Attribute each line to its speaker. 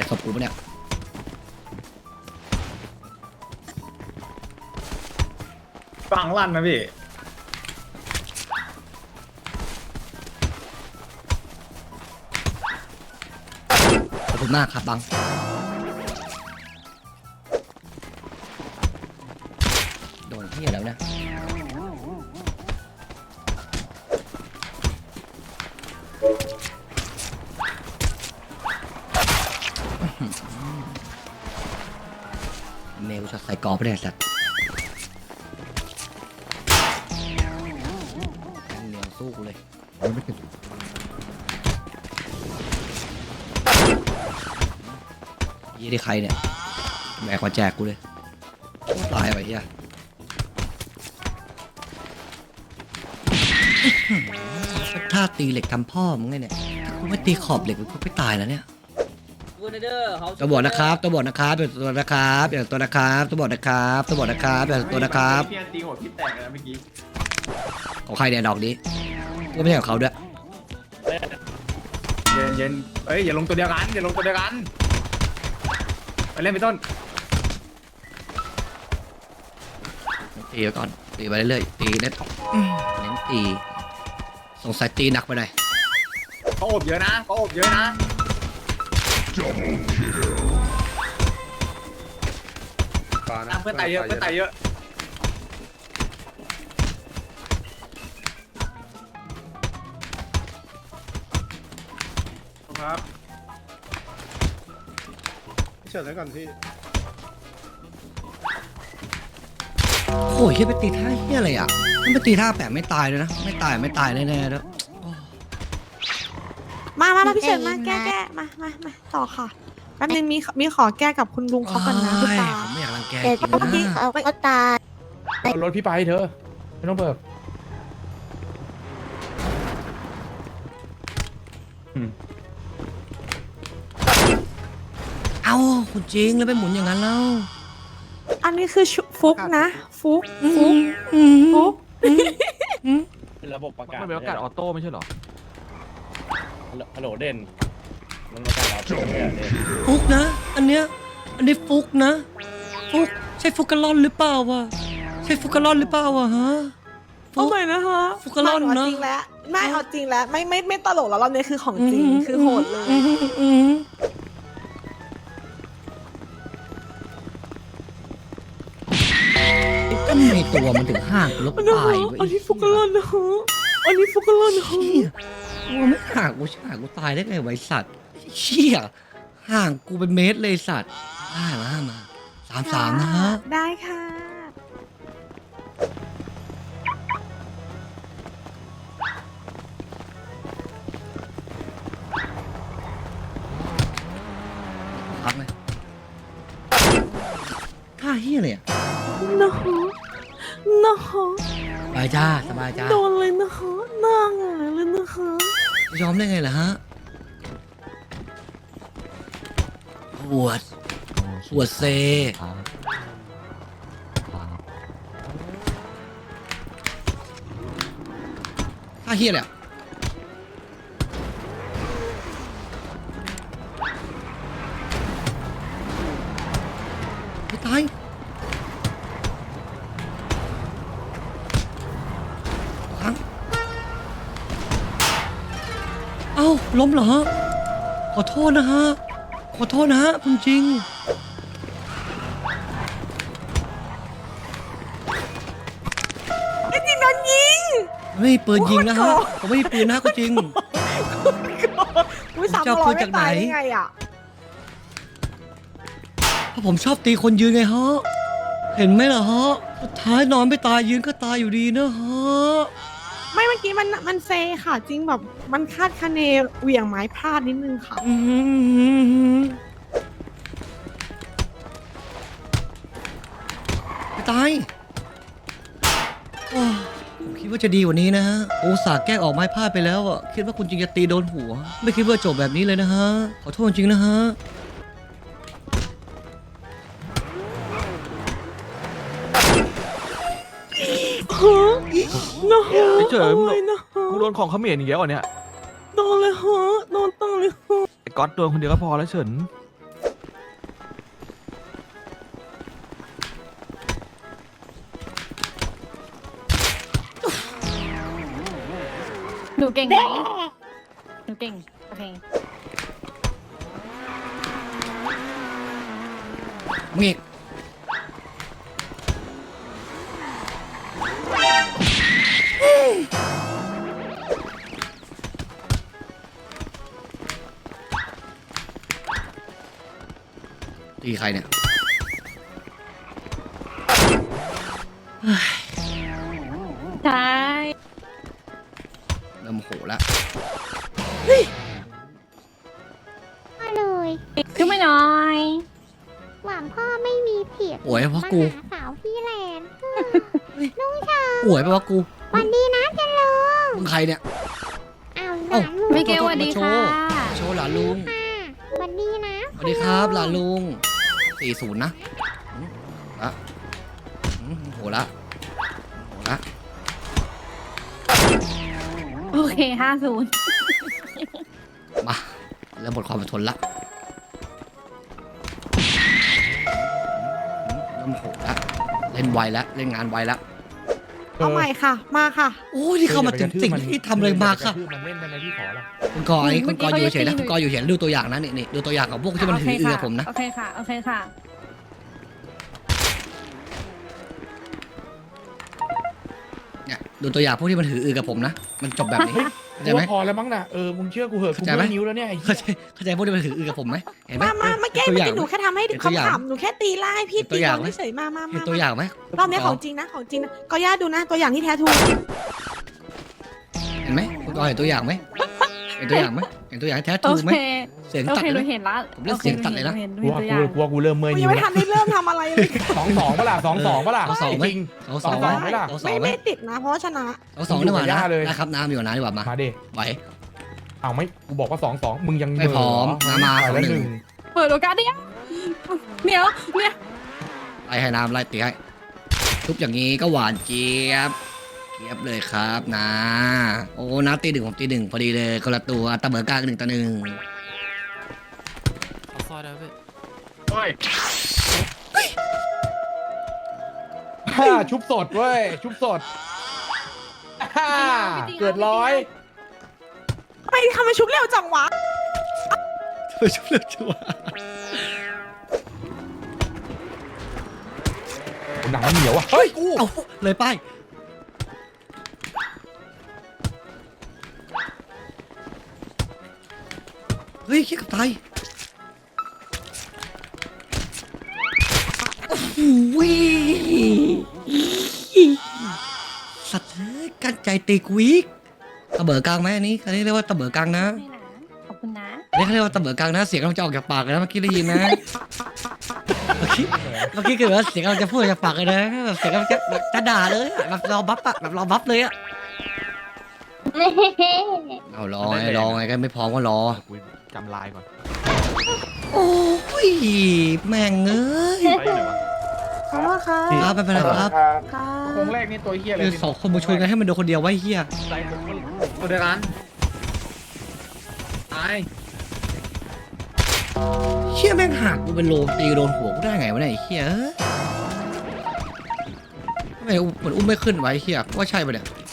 Speaker 1: ศพกูปะเนี่ย
Speaker 2: ฟังลั่นนะพี่
Speaker 1: ขอบคุณมากครับบังโดนที่แล้วนะเมลช็อตใส่กรอบไปเลยสัตว์เหนียวสู้กูเลยไม่เป็นยี่ได้ใครเนี่ยแบกมาแจกกูเลยตายไปเฮียถ้าตีเหล็กทำพ่อมึงไงเนี่ยถ้ากูไม่ตีขอบเหล็กกูไม่ตายแล้วเนี่ยตัวบอดนะครับตัวบอดนะครับอย่าตัวนะครับอย่าตัวนะครับตัวบอดนะครับตัวบอดนะครับอย่าตัวนะครับ
Speaker 2: พี่ตีหัวพี่แตกเลยนะเมื่อกี้
Speaker 1: ของใครเนี่ยดอกนี้ก็ไม่ใช่ของเขาด้วย
Speaker 2: เย็นเอ้ยอย่าลงตัวเดียวกันอย่าลงตัวเดียวกันไปเล่นไปต้น
Speaker 1: ตีไปก่อนตีไปเรื่อยๆตีเน้นตีสงสัยตีหนักไปหน่อย
Speaker 2: เขาอบเยอะนะเขาอบเยอะนะเพื่อนตายเยอะเพื่อนตายเยอะครับเฉิดไว้ก่อนพี่
Speaker 1: โอ้ยเฮียไปตีท่าเฮียอะไรอ่ะมันไปตีท่าแปะไม่ตายเลยนะไม่ตายแน่ๆแล้ว
Speaker 3: มาพี่เฉินมาแก้มาต่อค่ะแป๊บนึงมีขอแก้กับคุณลุงเขากันนะคุณตา
Speaker 1: ผมไม่อยากรังแก
Speaker 4: เดี๋ยว
Speaker 1: จริง
Speaker 4: เมื่อกี้
Speaker 1: นะ
Speaker 4: เขาก็ตาย
Speaker 2: เอารถพี่ไปเธอไม่ต้องเบิก
Speaker 1: เอ้าคุณจริงแล้วไปหมุนอย่างนั้นแล้ว
Speaker 3: อันนี้คือฟุกนะฟุก
Speaker 2: เป็นระบบประกาศ
Speaker 5: มันเป็นประกาศออโต้ไม่ใช่เหรอ
Speaker 2: ฮัลโหลเด่นมันประกาศออโต้เนี่ยเด่น
Speaker 1: ฟุกนะอันนี้ฟุกนะฟุกใช่ฟุกกะล่อนหรือเปล่าวะใช่ฟุกกะล่อนหรือเปล่าวะฮะ
Speaker 3: เอาใหม่นะคะ
Speaker 1: ฟุกกะล่อนเนอะ
Speaker 3: จริงแล้วไม่เอาจริงแล้วไม่ตลกแล้วรอบนี้คือของจริงคือโหดเลย
Speaker 1: ก็ในตัวมันถึงห่างลบตาย
Speaker 3: อันนี้ฟุกกะลอนนะฮะอันนี้ฟุกกะลอนนะฮะ
Speaker 1: ตัวไม่ห่างกูตายได้ไงไวสัตว์เชี่ยห่างกูเป็นเมตรเลยสัตว์มา3-3นะฮะ
Speaker 3: ได้ค่ะ
Speaker 1: พักเลยท่าเฮียเลยอ่ะ
Speaker 3: นะฮะนะฮะ
Speaker 1: สบายจ้าสบายจ้า
Speaker 3: โดนเลยนะฮะหน้าหงายเลยนะฮะ
Speaker 1: ยอมได้ไงล่ะฮะปวดเซท่าเฮียเลยอะไม่ตายค้างเอ้าล้มเหรอฮะขอโทษนะฮะคุณจริง
Speaker 3: ไอ้จริงโดนยิง
Speaker 1: ไม่มีปืนยิงนะฮะผมไม่มีปืนนะคุณจริง
Speaker 3: อุ้ยสาม
Speaker 1: จะเอา
Speaker 3: ร้
Speaker 1: ปื
Speaker 3: อย
Speaker 1: น
Speaker 3: ไม่
Speaker 1: จากไหน
Speaker 3: ตายได้ไงอ่ะ
Speaker 1: เพราะผมชอบตีคนยืนไงฮะเห็นไหมล่ะฮะสุดท้ายนอนไม่ตายยืนก็ตายอยู่ดีนะฮะ
Speaker 3: ไม่เมื่อกี้มันเซค่ะ จริงแบบมันคาดคะเนเหวี่ยงไม้พลาดนิดนึงค่ะ
Speaker 1: ไม่ตายโอ้ผมคิดว่าจะดีกว่านี้นะฮะอุตส่าห์แกล้งออกไม้พลาดไปแล้วอ่ะคิดว่าคุณจริงจะตีโดนหัว ไม่คิดว่าจบแบบนี้เลยนะฮะขอโทษจริงนะฮะ
Speaker 3: ฮะนะฮะ
Speaker 5: ไม่เจอ
Speaker 3: โอ้ยนะฮะ
Speaker 5: กูโดนของเขมรอีกแล้วเหรอเนี่ย
Speaker 3: โดนเลยฮะโดนตั้งเลยฮะ
Speaker 5: ไอ้ก๊อตโดนคนเดียวก็พอแล้วเฉิน
Speaker 4: หนูเก่งไหมหนูเก่งโอเค
Speaker 1: มึงอีกตีใครเนี่ย
Speaker 4: ใช่
Speaker 1: เริ่มโหแล้ว
Speaker 5: มาเลย
Speaker 4: จุ๊บไม่น้อย
Speaker 5: หวังพ่อไม่มีผิด
Speaker 1: ป่วยเพราะกู
Speaker 5: มาหาสาวพี่แลนด์ลุงเชิญ
Speaker 1: ป่วยเพราะกู
Speaker 5: วันดีนะจันลุง
Speaker 1: มึงใครเนี่ย
Speaker 5: อ้าวห
Speaker 1: เอ้า
Speaker 5: ลานลุง
Speaker 4: ไม่เกลสวัสดีค่ะ
Speaker 1: โชว์หลานลุง
Speaker 5: ค่ะวันดีนะ
Speaker 1: สวัสดีครับหลานลุง40นะละโหละโหละ
Speaker 4: โอเค50
Speaker 1: มาเริ่มหมดความอดทนละเริ่มโหละเล่นไวแล้วเล่นงานไวแล้ว
Speaker 3: เอาใหม่ค่ะ มาค่ะ
Speaker 1: โอ้ยที่เข้ามาถึงสิ่งที่ทำเลยมาค่ะ
Speaker 2: มันเล่นได้ไหมพี่ขอละ
Speaker 1: คุณกอไอ้คุณกออยู่เฉยนะคุณกออยู่เฉยดูตัวอย่างนะนี่ดูตัวอย่างของพวกที่มันถือเอือผมนะ
Speaker 4: โอเคค่ะโอเคค่ะ
Speaker 1: เนี่ยดูตัวอย่างพวกที่มันถืออือกับผมนะมันจบแบบนี้เข้าใจไหม
Speaker 2: พอแล้วมั้งน่ะมึงเชื่อกูเหอะกู
Speaker 1: เข้าใจไหม
Speaker 2: เมื่อยนิ้วแล้วเนี่ยไอ้
Speaker 1: เข้าใจพวกที่มันถืออือกับผมไหมเห็นไหม
Speaker 3: มาเมื่อกี้
Speaker 1: ตัว
Speaker 3: เมื่
Speaker 1: อ
Speaker 3: อย่าง กี้หนูแค่ทำให้
Speaker 1: เห็นตัวอย่าง
Speaker 3: ขำๆหนูแค่ตีล่าให้พี่
Speaker 1: เห็นตั
Speaker 3: ตี
Speaker 1: วอย่า
Speaker 3: น้
Speaker 1: ง
Speaker 3: อง
Speaker 1: ไหม
Speaker 3: เฉยๆมา
Speaker 1: เห็นตัวอย่างไหม
Speaker 3: รอบนี้ของจริงนะของจริงนะก็ย่าดูนะตัวอย่างที่แท้ทู
Speaker 1: เห็นไหมคุณกอเห็นตัวอย่างไหมเห็นตัวอย่างไหมเห็นตัวอย่างแท้
Speaker 4: โอ
Speaker 1: ทูไหม
Speaker 4: เค
Speaker 1: เสียง
Speaker 4: โอ
Speaker 1: ตัด
Speaker 4: เคห
Speaker 1: เล
Speaker 4: นู
Speaker 1: ย
Speaker 4: เห็นละ
Speaker 1: ผมเล่นเสียงตัดเลยนะ
Speaker 4: เห็น
Speaker 2: กลัว
Speaker 4: ตัวอย่าง
Speaker 2: กลัวกูเริ่มเมื่อย
Speaker 3: กูยั
Speaker 2: นิ้
Speaker 3: ง
Speaker 2: ว
Speaker 3: ไม่
Speaker 2: แล้ว
Speaker 3: ทันได้เริ่มทำอะไรเลย
Speaker 2: 2-2ปะล่ะ2-2ปะล่ะ
Speaker 1: เอาสองไหม
Speaker 2: จริง
Speaker 1: เอาสองไหม
Speaker 2: เอาสองไหมล่ะ
Speaker 1: เอาสองไหม
Speaker 3: ไม่ติดนะ เพราะว่าชนะ
Speaker 1: เอาสองดีกว่า
Speaker 2: อยู่กับ
Speaker 1: นะ
Speaker 2: ย่าเลย
Speaker 1: นะครับน้ำอยู่กับน้ำดีกว่ามา
Speaker 2: มาดิ
Speaker 1: ไหว
Speaker 2: เอาไม่กูบอกว่า2-2มึงยัง
Speaker 1: ไม่พร้อม
Speaker 2: เห
Speaker 1: มา
Speaker 2: ไปแล้ว
Speaker 1: 2-1
Speaker 2: หนึ่ง
Speaker 4: เปิดโอกาสดิเนี่ย
Speaker 1: ไล่ให้น้ำไล่ตีให้ทุบอย่างนี้ก็หวานเจี๊ยบเจี๊ยบเลยครับนะโอ้น้ำตีหนึ่งผมตีหนึ่งพอดีเลยคนละตัวตะเบิกกลาง1-1
Speaker 2: เฮ้ยฮ่าชุบสดเว้ยชุบสดฮ่าเกิดร้อย
Speaker 3: ทำไมทำไมชุบเร็วจังวะ
Speaker 1: ไปชุบเลือดชัว
Speaker 2: หนังมันเหนียวอ่ะเฮ้ยกู
Speaker 1: เอาเลยป้ายเฮ้ยคิดกับตายโอ้โหสัตว์เอ้ยกั้นใจตีกวีกตะเบิกกลางไหมอันนี้เรียกว่าตะเบิกกลางนะ
Speaker 4: ไม่นะขอบคุณนะ
Speaker 1: อันนี้เขาเรียกว่าตะเบิกกลางนะเสียงกำลังจะออกจากปากเลยนะเมื่อกี้ได้ยินนะเมื่อกี้คือว่าเสียงกำลังจะพูดออกจากปากเลยนะแบบเสียงกำลังจะด่าเลยอะแบบรอบัฟอะแบบรอบัฟเลยอะเอารอไงก็ไม่พร้อมก็รอ
Speaker 2: กูจำลายก่อน
Speaker 1: โอ้ยแม่งเอ้ย
Speaker 3: ขอโทษค่ะ
Speaker 1: ครับไม่เป็นไรครับ
Speaker 3: ค่ะ
Speaker 2: โค้งแรกนี่ตัวเฮียเลย
Speaker 1: คือสองคนมาชวนกันให้มันโดนคนเดียวไว้เฮีย
Speaker 2: ตัวเดียวกันตาย
Speaker 1: เฮียแม่งหักกูเป็นโลตีโดนหัวกูได้ไงวะเนี่ยไอ้เฮียเอ้ยทำไมเหมือนอุ้มไม่ขึ้นไว้เฮียว่าใช่ปะเนี่ย